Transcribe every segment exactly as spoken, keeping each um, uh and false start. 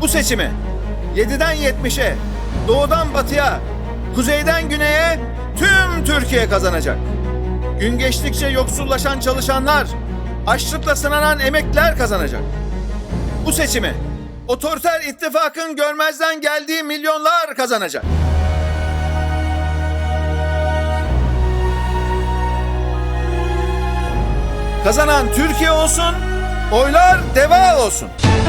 Bu seçimi yediden yetmişe, doğudan batıya, kuzeyden güneye tüm Türkiye kazanacak. Gün geçtikçe yoksullaşan çalışanlar, açlıkla sınanan emekliler kazanacak. Bu seçimi otoriter ittifakın görmezden geldiği milyonlar kazanacak. Kazanan Türkiye olsun, oylar DEVA olsun.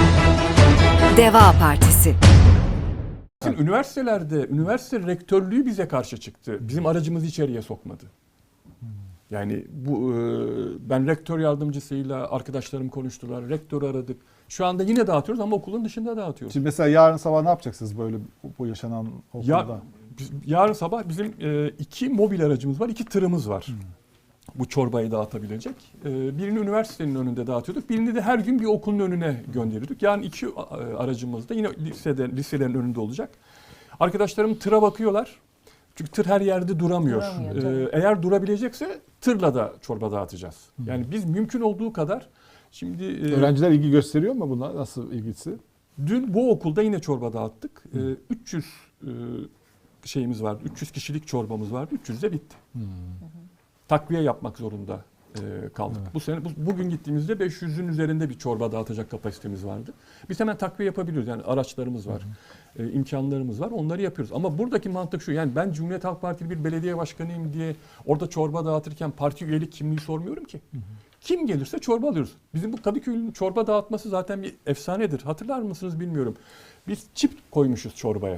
Deva Partisi. Üniversitelerde, üniversite rektörlüğü bize karşı çıktı. Bizim aracımızı içeriye sokmadı. Yani bu e, ben rektör yardımcısıyla arkadaşlarım konuştular. Rektörü aradık. Şu anda yine dağıtıyoruz ama okulun dışında dağıtıyoruz. Şimdi mesela yarın sabah ne yapacaksınız böyle bu, bu yaşanan okulda? Ya, biz- yarın sabah bizim e, iki mobil aracımız var, iki tırımız var. Hmm. Bu çorbayı dağıtabilecek. E, birini üniversitenin önünde dağıtıyorduk. Birini de her gün bir okulun önüne gönderiyorduk. Yarın iki e, aracımız da yine lisede, liselerin önünde olacak. Arkadaşlarım tıra bakıyorlar. Çünkü tır her yerde duramıyor. Duramıyor, Ee, tabii. eğer durabilecekse tırla da çorba dağıtacağız. Yani biz mümkün olduğu kadar şimdi e, Öğrenciler ilgi gösteriyor mu buna? Nasıl ilgisi? dün bu okulda yine çorba dağıttık. Ee, üç yüz e, şeyimiz vardı. üç yüz kişilik çorbamız vardı. üç yüz de bitti. Takviye yapmak zorunda e, kaldık. Evet. Bu sene bu, bugün gittiğimizde beş yüzün üzerinde bir çorba dağıtacak kapasitemiz vardı. Biz hemen takviye yapabiliyoruz. Yani araçlarımız var. E, imkanlarımız var. Onları yapıyoruz. Ama buradaki mantık şu. Yani ben Cumhuriyet Halk Partili bir belediye başkanıyım diye orada çorba dağıtırken parti üyelik kimliği sormuyorum ki. Kim gelirse çorba alıyoruz. Bizim bu Kadıköy'ün çorba dağıtması zaten bir efsanedir. Hatırlar mısınız bilmiyorum. Biz çip koymuşuz çorbaya.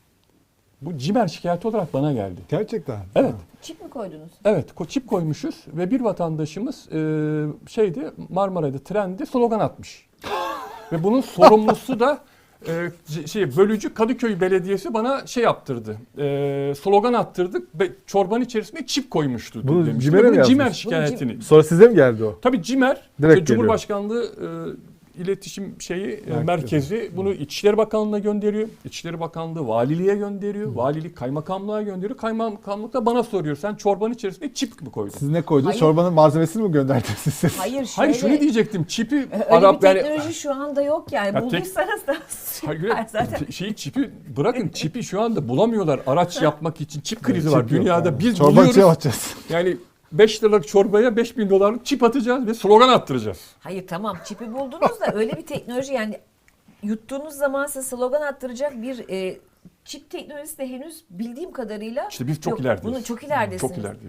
Bu cimer şikayeti olarak bana geldi. Gerçekten. Evet. Çip mi koydunuz? Evet, ko- çip koymuşuz ve bir vatandaşımız e, şeydi Marmaray'da trende slogan atmış. Ve bunun sorumlusu da e, c- şey bölücü Kadıköy Belediyesi bana şey yaptırdı. E, slogan attırdık ve çorbanın içerisine çip koymuştu. Bunu demişti. CİMER'e Ve mi bunu CİMER yazmış? şikayetini. Sonra size mi geldi o? Tabii CİMER, Direkt işte geliyor. Cumhurbaşkanlığı e, iletişim şeyi e, Merkezi. merkezi bunu İçişleri Bakanlığı'na gönderiyor. İçişleri Bakanlığı valiliğe gönderiyor. Valilik kaymakamlığa gönderiyor. Kaymakamlık da bana soruyor. Sen çorbanın içerisine çip mi koydun? Siz ne koydunuz? Hayır. Çorbanın malzemesini mi gönderdiniz siz? Hayır şöyle. Hayır şunu diyecektim. Çipi Öyle Arap bir yani teknoloji şu anda yok yani. Ya tek- Bulduysanız da Hayır, süper zaten. te- şeyi çipi bırakın çipi şu anda bulamıyorlar araç yapmak için çip krizi Çip var yok dünyada yani. biz Çorba buluyoruz içine atacağız. yani beş liralık çorbaya beş bin dolarlık çip atacağız ve slogan attıracağız. Hayır tamam çipi buldunuz da öyle bir teknoloji yani yuttuğunuz zaman size slogan attıracak bir e, çip teknolojisi de henüz bildiğim kadarıyla İşte biz çok yok. ilerideyiz. Bunu çok ileridesiniz. Çok ilerideyiz.